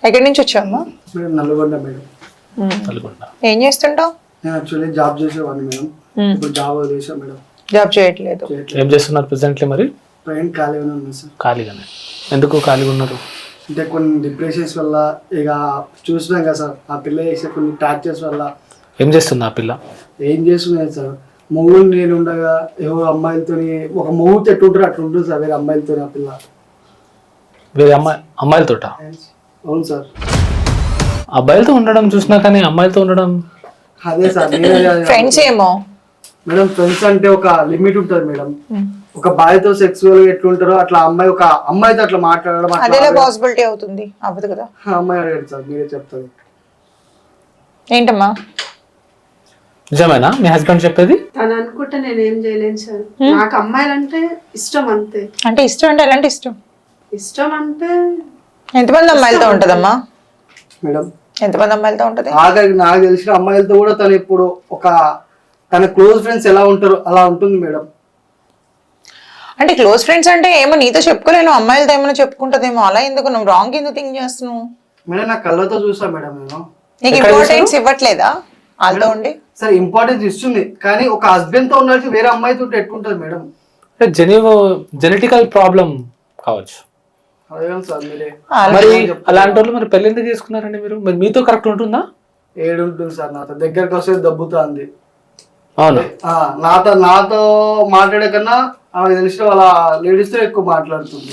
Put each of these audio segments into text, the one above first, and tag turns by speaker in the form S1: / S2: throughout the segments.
S1: ఎక్కడి నుంచి వచ్చావమ్మా?
S2: Madam Nalgonda madam.
S3: నల్గొండ.
S1: ఏం చేస్తుంటావు?
S2: నేను యాక్చువల్లీ జాబ్ చేసేవాడిని మేడం. ఇప్పుడు జాబ్ వదిలేసా మేడం.
S1: జాబ్ చేయట్లేదు.
S3: ఏం చేస్తున్నారు ప్రెసెంట్లీ మరి?
S2: ప్రజెంట్ ఖాళీగానే ఉన్నాను సార్.
S3: ఖాళీగానే. ఎందుకు ఖాళీగా ఉన్నారు?
S2: అంటే కొన్ని డిప్రెషన్స్ వల్ల ఇక చూసినాం కదా సార్, ఆ పిల్ల చేసే కొన్ని టార్చర్స్ వల్ల.
S3: ఏం చేస్తుంది ఆ పిల్ల?
S2: ఏం చేస్తున్నాయి సార్, మొగుడు నేను ఉండగా ఎవరు అమ్మాయిలతోని ఒక మొగుడు ఎట్టుంటారు అట్లా ఉంటుంది సార్ వేరే అమ్మాయిలతో. ఆ పిల్ల
S3: వేరే అమ్మాయిలతోట?
S2: అవును సార్.
S3: అబ్బాయిలతో ఉండడం చూసినా కానీ అమ్మాయిలతో ఉండడం
S2: అదే సార్.
S1: ఫ్రెండ్స్ ఏమో
S2: మేడం, ఫ్రెండ్స్ అంటే ఒక లిమిట్ ఉంటుంది మేడం. ఒక బాయ్తో సెక్సువల్ గా ఎట్లుంటారో అట్లా అమ్మాయి ఒక అమ్మాయితో అట్లా మాట్లాడడం
S1: అదేలా పాసిబిలిటీ అవుతుంది? అవ్వదు కదా.
S2: అమ్మాయి అడిగాడు సార్, మీరే చెప్తారు.
S1: ఏంటమ్మా?
S3: నిజమేనా మీ హస్బెండ్ చెప్పేది?
S4: తను అనుకుంటే నేనేం చేయలేను సార్. నాకు అమ్మాయిలంటే ఇష్టం అంతే.
S1: అంటే ఇష్టం అంటే ఎలాంటి ఇష్టం?
S4: ఇష్టం అంటే
S1: ఎంతమంది అమ్మాయిలతో ఉంటదమ్మా?
S2: మేడం
S1: ఎంతమంది అమ్మాయిలతో ఉంటది?
S2: ఆఖరికి నాకు తెలిసిన అమ్మాయిలతో కూడా తను ఇప్పుడు ఒక తన క్లోజ్ ఫ్రెండ్స్ ఎలా ఉంటారో అలా ఉంటుంది మేడం.
S1: అంటే క్లోజ్ ఫ్రెండ్స్ అంటే ఏమో నీతో చెప్పుకోలేను, అమ్మాయిలతో ఏమైనా చెప్పుకుంటదేమో. అలా ఎందుకు నువ్వు రాంగ్ ఎందుకు థింక్ చేస్తున్నావు?
S2: మేడం నా కళ్ళతో చూసా మేడం నేను.
S1: నీకు ఇంపార్టెన్స్ ఇవ్వట్లేదా వాళ్ళతో ఉండి?
S2: సరే ఇంపార్టెన్స్ ఇస్తుంది, కానీ ఒక హస్బెండ్ తో ఉండాల్సి వేరే అమ్మాయితో ఎట్లుంటది మేడం?
S3: జెనెటికల్ ప్రాబ్లం కావచ్చు.
S2: అడగండి సార్ మీరే.
S3: మరి అలాంటి వాళ్ళు మరి పెళ్లి ఎందుకు చేసుకున్నారండి మీరు? మరి మీతో కరెక్ట్ ఉంటుందా?
S2: ఏడుంటుంది సార్, నాతో దగ్గరకు వస్తే దబ్బుతుంది.
S3: అవును.
S2: నాతో మాట్లాడే కన్నా ఆమె తెలిసిన వాళ్ళ లేడీస్ తో ఎక్కువ మాట్లాడుతుంది.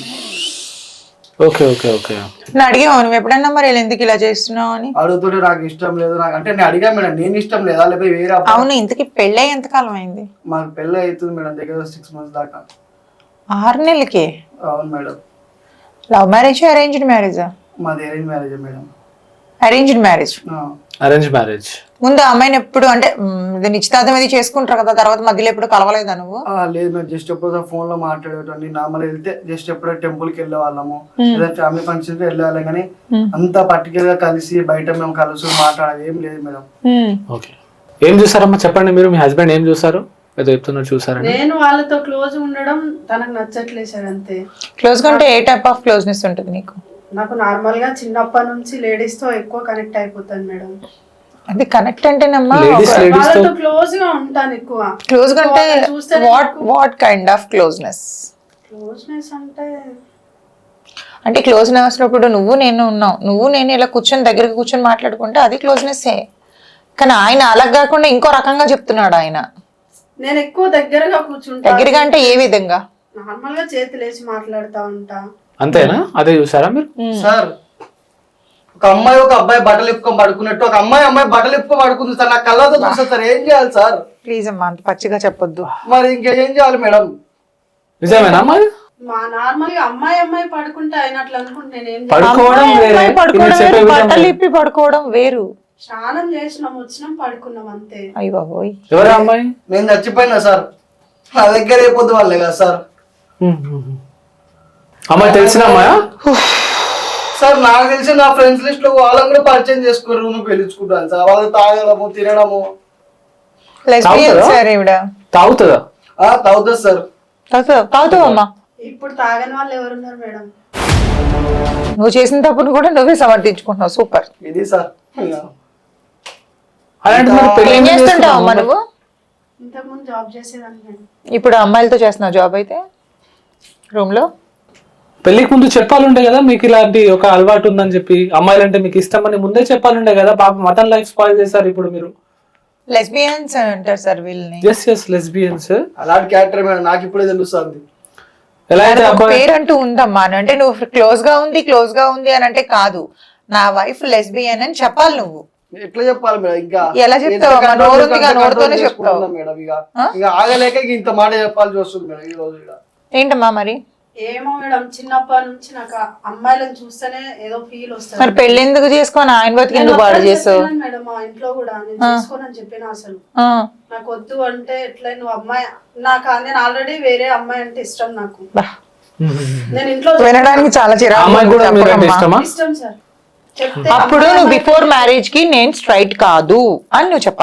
S3: Okay okay okay.
S1: నేను అడిగావు నువ్వు ఎప్పుడన్నా మరి ఎందుకు ఇలా చేస్తున్నావు అని?
S2: అడుగుతుంటే నాకు ఇష్టం లేదు, నాకు అంటే నేను అడిగా మేడం, నేను ఇష్టం లేదా లేకపోతే వేరే.
S1: అవును, ఇంతకీ పెళ్ళి ఎంత కాలం అయింది?
S2: మాకు పెళ్ళి అవుతుంది మేడం, దగ్గర 6 months దాకా.
S1: 6 నెలలకి?
S2: అవును మేడం.
S1: లవ్ మ్యారేజ్ అరేంజ్డ్ మ్యారేజా?
S2: మాది arrange marriage madam.
S1: Arranged marriage.
S3: Arrange marriage.
S1: ముందు అమ్మాయిని ఎప్పుడు అంటే నిశ్చితార్థం అది చేసుకుంటారు కదా, తర్వాత మధ్యలో ఎప్పుడు కలవలేదా నువ్వు?
S2: లేదు మేము జస్ట్ ఎప్పుడు ఫోన్ లో మాట్లాడేటండి. నార్మల్ వెళ్తే జస్ట్ ఎప్పుడో టెంపుల్ కి వెళ్ళే వాళ్ళము, లేదా ఫ్యామిలీ ఫంక్షన్ కి వెళ్ళే వాళ్ళం, కానీ అంత పర్టికులర్ గా కలిసి బయట మేము కలుసు మాట్లాడేది ఏం లేదు మేడం.
S3: ఓకే. ఏం చూసారమ్మా చెప్పండి మీరు? మీ హస్బెండ్ ఏం చూసారు? ఏదో చెప్తున్నారు చూసారండి.
S4: నేను వాళ్ళతో క్లోజ్ ఉండడం తనకు నచ్చట్లేదు సార్, అంతే.
S1: క్లోజ్ గా అంటే ఏ టైప్ ఆఫ్ క్లోజ్నెస్ ఉంటుంది నీకు?
S4: నాకు నార్మల్ గా చిన్నప్పటి నుంచి లేడీస్ తో ఎక్కువ కనెక్ట్ అయిపోతాను మేడం.
S1: అది కనెక్ట్ అంటేనమ్మా
S4: వాళ్ళతో క్లోజ్ గా ఉంటాను ఎక్కువ.
S1: క్లోజ్ గా అంటే what kind of closeness?
S4: Closeness
S1: అంటే క్లోజ్నెస్ ఇప్పుడు నువ్వు నేను ఉన్నావు, నువ్వు నేను ఇలా కూర్చొని దగ్గరికి కూర్చొని మాట్లాడుకుంటే అది క్లోజ్నెస్సే. కానీ ఆయన అలా కాకుండా ఇంకో రకంగా చెప్తున్నాడు ఆయన.
S4: నేను ఎక్కువ దగ్గరగా కూర్చుంటా.
S1: దగ్గరగా అంటే ఏ విధంగా?
S4: నార్మల్ గా చేతులేసి మాట్లాడుతా ఉంటా.
S3: అంతేనా? అదే చూసారా మీరు?
S2: సార్ ఒక అమ్మాయి ఒక అబ్బాయి బట్టలు ఇప్పుకొని పడుకున్నట్టు ఒక అమ్మాయి బట్టలు ఇప్పుకొని పడుకుంది సార్, నా కళ్ళతో చూసా సార్. ఏం చేయాలి సార్?
S1: ప్లీజ్ అమ్మా అంత పచ్చిగా చెప్పొద్దు.
S2: మరి ఇంకేం చేయాలి మేడం?
S3: నిజమేనా అమ్మాయి?
S4: మా నార్మల్ గా అమ్మాయి పడుకుంటే అయినట్లు అనుకుంటే నేనేం
S3: పడుకోవడం వేరే,
S1: బట్టలు ఇప్పి పడుకోవడం వేరు.
S4: స్నానం చేసినాం, వచ్చినాం, పడుకున్నాం, అంతే.
S1: అయ్య బాబోయ్.
S3: ఎవరా అమ్మాయి?
S2: నేను చచ్చిపోయినా సార్, నా దగ్గర అయిపోద్దు వాళ్ళే కదా సార్.
S3: అమ్మాయి తెలిసిన అమ్మాయా?
S2: సార్ నాకు తెలిసి నా ఫ్రెండ్స్ లిస్ట్ లో వాళ్ళని కూడా పరిచయం చేసుకుని రూమ్ పిలుచుకుంటాను సార్. వాళ్ళు తాగడము తినడము.
S1: సార్ ఈవిడ
S3: తాగుతుందా?
S2: తాగుతుంది సార్.
S1: తాగుతావమ్మా?
S4: ఇప్పుడు తాగని వాళ్ళు ఎవరున్నారు మేడం?
S1: నువ్వు చేసిన తప్పును కూడా నువ్వే సమర్థించుకుంటున్నావు. సూపర్.
S2: ఇది సార్.
S1: ఏం చేస్తుంటావమ్మా నువ్వు?
S4: ఇంతకు ముందు జాబ్ చేసేదాన్ని మేడం.
S1: ఇప్పుడు అమ్మాయిలతో చేస్తున్నావు జాబ్ అయితే రూమ్ లో?
S3: పెళ్లికి ముందు చెప్పాలుండే కదా మీకు ఇలాంటి ఒక అలవాటు ఉందని చెప్పి, అమ్మాయిలంటే మీకు ఇష్టం అని ముందే చెప్పాలుండే కదా. పాప మటన్ లైఫ్ స్పాయిల్ చేశారు ఇప్పుడు మీరు.
S1: లెస్బియన్స్ అంటారు సార్ వీళ్ళని.
S3: Yes lesbians.
S2: అలాంటి క్యారెక్టర్ మేడం, నాకు ఇప్పుడే తెలుస్తుంది.
S3: ఎలా అయితే
S1: పేరు అంటూ ఉందమ్మా అంటే నువ్వు క్లోజ్ గా ఉంది అని అంటే కాదు, నా వైఫ్ లెస్బియన్ అని చెప్పాలి. నువ్వు
S2: ఎట్లా చెప్పాలి మేడం? ఇంకా
S1: ఎలా చెప్తావు? నోరుతోనే చెప్తావు
S2: మేడం. ఇక ఆగలేక ఇంత మాట చెప్పాల్సి వస్తుంది మేడం ఈ రోజు.
S1: ఏంటమ్మా మరి?
S4: ఏమో మేడం, చిన్నప్పటి నుంచి నాకు అమ్మాయిలను చూస్తేనే ఏదో ఫీల్ వస్తుంది.
S1: మరి పెళ్లి ఎందుకు చేసుకొని ఆయన బతికి ఎందుకు పాడు చేస్తావు
S4: మేడం? మా ఇంట్లో కూడా నేను చేసుకోనని చెప్పిన, అసలు నాకు వద్దు అంటే ఎట్లా నువ్వు అమ్మాయి నేను ఆల్రెడీ వేరే అమ్మాయి అంటే ఇష్టం నాకు. నేను ఇంట్లో
S1: వినడానికి చాలా చిరాకు.
S4: ఇష్టం సార్.
S1: అప్పుడు నువ్వు బిఫోర్ మ్యారేజ్ కి నేను స్ట్రైట్ కాదు అని నువ్వు చెప్పాలి.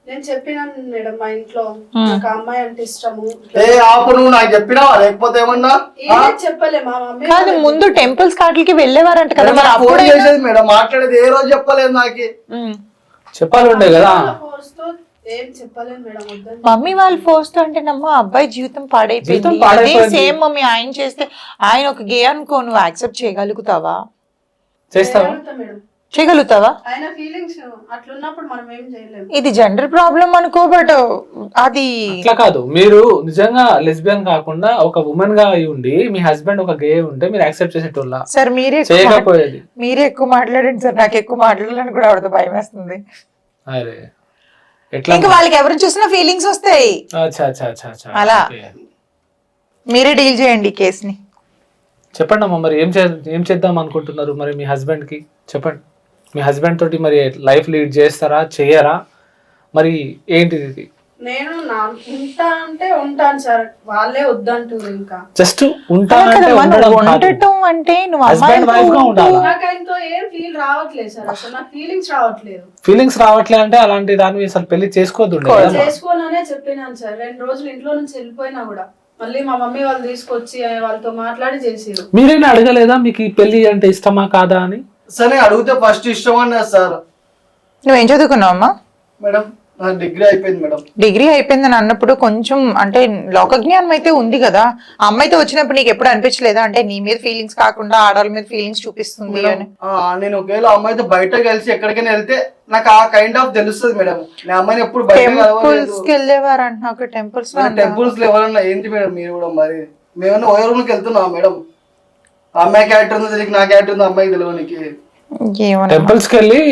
S4: నేను చెప్పినాను మేడం మా ఇంట్లో నాకు ఆ అమ్మాయి అంటే ఇష్టము.
S2: ఏ ఆపు, నువ్వు నాకు చెప్పినావా లేకపోతే ఏమన్నా?
S4: ఏం చెప్పలే మా మమ్మీ.
S1: కాదు ముందు టెంపుల్స్ కాటికి వెళ్ళేవారంట కదా, మరి
S2: ఫోన్
S1: అప్పుడే
S2: చేసేది మేడం, మాట్లాడేది ఏ రోజు చెప్పలేదు నాకు.
S3: చెప్పాలి ఉండే కదా.
S4: ఫోర్స్ తో ఏం చెప్పలేను మేడం, వద్దని.
S1: మమ్మీ వాళ్ళు ఫోర్స్ తో అంటే నమ్మ అబ్బాయి జీవితం పాడైపోయింది. అదే సేమ్ మమ్మీ ఆయన చేస్తే, ఆయన ఒక గే అనుకో, నువ్వు యాక్సెప్ట్ చేయగలుగుతావా?
S3: చేస్తావా?
S4: చేయగలుగుతా మేడం.
S1: చేయగలుగుతావా?
S4: ఆయన ఫీలింగ్స్ అట్లున్నప్పుడు మనం ఏం చేయలేము.
S1: ఇది జనరల్ ప్రాబ్లం అనుకో, బట్ అది
S3: అట్లా కాదు. మీరు నిజంగా లెస్బియన్ కాకుండా ఒక ఉమెన్ గా అయి ఉండి మీ హస్బెండ్ ఒక గే ఉంటే మీరు యాక్సెప్ట్ చేసేటోళ్ళ?
S1: సార్ మీరే
S3: చేయకపోయేది.
S1: మీరే ఎక్కువ మాట్లాడండి సార్, నాకు ఎక్కువ మాట్లాడాలని కూడా ఆవిడతో భయం వేస్తుంది.
S3: అరే ఎట్లా?
S1: ఇంకా వాళ్ళకి ఎవరు చూసినా ఫీలింగ్స్ వస్తాయి.
S3: అచ్చా అచ్చా అచ్చా అచ్చా.
S1: అలా.
S3: ఓకే.
S1: మీరే డీల్ చేయండి ఈ కేసుని.
S3: చెప్పండి అమ్మా, మరి ఏం చేద్దాం అనుకుంటున్నారు మరి మీ హస్బెండ్ కి? చెప్పండి. మీ హస్బెండ్ తోటి మరి లైఫ్ లీడ్ చేస్తారా, చేయరా, మరి ఏంటిది ఇది?
S4: నేను ఉంటా అంటే ఉంటాను సార్, వాళ్ళే వద్దంటారు. ఇంకా
S3: జస్ట్ ఉంటానంటే ఉండడం కాదు.
S1: ఉండటం అంటే నువ్వు
S3: హస్బెండ్ వైఫ్ గా ఉండాలా?
S4: నాకు ఆయనతో ఏం ఫీల్ రావట్లేదు సార్, అసలు నాకు ఫీలింగ్స్ రావట్లేదు.
S3: ఫీలింగ్స్ రావట్లే అంటే అలాంటి దాన్ని అసలు పెళ్లి చేసుకోవద్దు.
S4: చేసుకోననే చెప్పినాను సార్. 2 రోజులు ఇంట్లో నుంచి వెళ్ళిపోయినా కూడా మళ్ళీ మా మమ్మీ వాళ్ళు తీసుకొచ్చి వాళ్ళతో మాట్లాడి చేసిరు.
S3: మీరైనా అడగలేదా మీకు ఈ పెళ్లి అంటే ఇష్టమా కాదా అని?
S2: సరే అడిగితే ఫస్ట్ ఇష్టం అన్నా సార్.
S1: నువ్వేం చదువుకున్నావు అమ్మా?
S2: మేడం నా డిగ్రీ అయిపోయింది మేడం.
S1: డిగ్రీ అయిపోయిందని అన్నప్పుడు కొంచెం అంటే లోక జ్ఞానం అయితే ఉంది కదా. ఆ అమ్మాయితో వచ్చినప్పుడు నీకు ఎప్పుడు అనిపించలేదా అంటే నీ మీద ఫీలింగ్స్ కాకుండా ఆడవాళ్ళ మీద ఫీలింగ్స్ చూపిస్తుంది అని?
S2: నేను ఒకవేళ అమ్మాయితో బయట కలిసి ఎక్కడికైనా వెళ్తే నాకు ఆ కైండ్ ఆఫ్ తెలుస్తుంది మేడం. నేను అమ్మాయిని ఎప్పుడు బయట
S1: టెంపుల్స్ కి వెళ్ళేవారు అంటున్నా. టెంపుల్స్
S2: టెంపుల్స్ లో ఎవరన్నా ఏంటి మేడం మీరు కూడా? మరి మేమన్నా ఓయర్ రూమ్ కి వెళ్తున్నాం మేడం. అమ్మాయి క్యారెక్టర్ ఉందో తెలియక నా క్యారెక్టర్ ఉందో అమ్మాయికి తెలియనికి.
S3: టెంపుల్స్ కి వెళ్ళి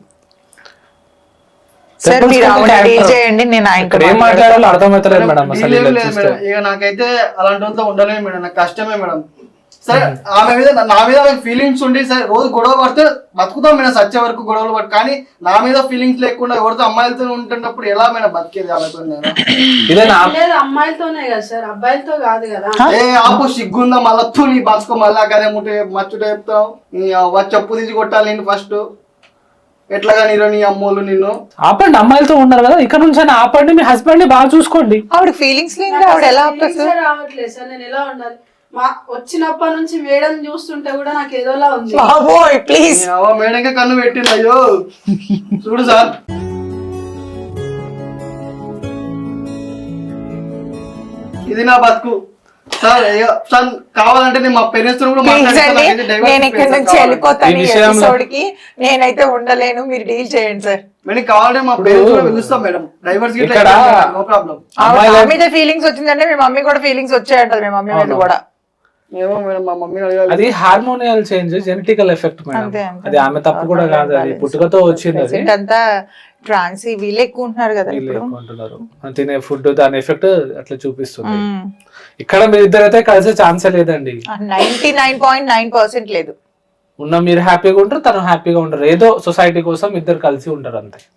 S1: సార్ మీరు ఆవిడ డీల్ చేయండి, నేను ఆయనతో
S3: ఏం మాట్లాడాలో అర్థమవుతలేదు మేడం. అసలు
S2: డీల్ ఏం లేదు మేడం. ఇక నాకైతే అలాంటి వాళ్ళతో ఉండలేము మేడం, నాకు కష్టమే మేడం. సరే ఆమె మీద నా మీద ఫీలింగ్స్ ఉండి సరే రోజు గొడవ పడితే బతుకుతాం మేడం, సచ్చే వరకు గొడవలు పడి. కానీ నా మీద ఫీలింగ్స్ లేకుండా ఎవరితో అమ్మాయిలతో ఉంటున్నప్పుడు ఎలా మేడం బతికేది ఆమెతో?
S4: లేదు అమ్మాయిలతోనే కదా సార్, అబ్బాయిలతో కాదు కదా.
S2: ఏ ఆపు, సిగ్గుందా మళ్ళా నీ బతుకో మళ్ళా అదే ముట్టే మచ్చుట చెప్తావు. చెప్పు తీసి కొట్టాలి నేను ఫస్ట్. ఎట్లాగా నీరు నీ అమ్మోళ్ళు నిన్ను
S3: ఆపండి. అమ్మాయిలతో ఉన్నారు కదా, ఇక్కడ నుంచి ఆపండి. మీ హస్బెండ్ ని బాగా చూసుకోండి.
S1: ఆవిడ ఫీలింగ్స్ లేదు, ఆవిడ ఎలా
S4: రావట్లేదు సార్. నేను ఎలా ఉండాలి? వచ్చినప్పటి నుంచి మేడం చూస్తుంటే కూడా నాకు ఏదోలా ఉంది.
S1: ప్లీజ్
S2: మేడంకే కన్ను పెట్టింది. అయ్యో చూడు సార్, ఇది నా బతుకు సార్. సార్ కావాలంటే నేను మా పేరెంట్స్ తో కూడా
S1: నేను ఇక్కడ నుంచి వెళ్ళిపోతాను. ఈ ఎపిసోడ్ కి నేనైతే ఉండలేను, మీరు డీల్ చేయండి సార్.
S2: మేడం కావాలంటే మా పేరెంట్స్ కూడా పిలుస్తాం మేడం. Divorce no problem.
S1: ఆవిడ మీద ఫీలింగ్స్ వచ్చిందంటే మీ మమ్మీ కూడా ఫీలింగ్స్ వచ్చాయంటారు. మీ మమ్మీ మీద కూడా
S2: ఏమో మేడం, మా మమ్మీ
S3: అది hormonal change, genetical effect madam. అది ఆమె తప్పు కూడా కాదు, అది పుట్టుకతో వచ్చింది.
S1: అంతా ట్రాన్స్ వీళ్ళు ఎక్కువ ఉంటున్నారు కదా,
S3: తినే ఫుడ్ దాని ఎఫెక్ట్ అట్లా చూపిస్తుంది. ఇక్కడ మీరు ఇద్దరైతే కలిసే ఛాన్సే లేదండి.
S1: 99.9% లేదు.
S3: ఉన్న మీరు హ్యాపీగా ఉంటారు, తను హ్యాపీగా ఉంటారు. ఏదో సొసైటీ కోసం ఇద్దరు కలిసి ఉంటారు అంతే.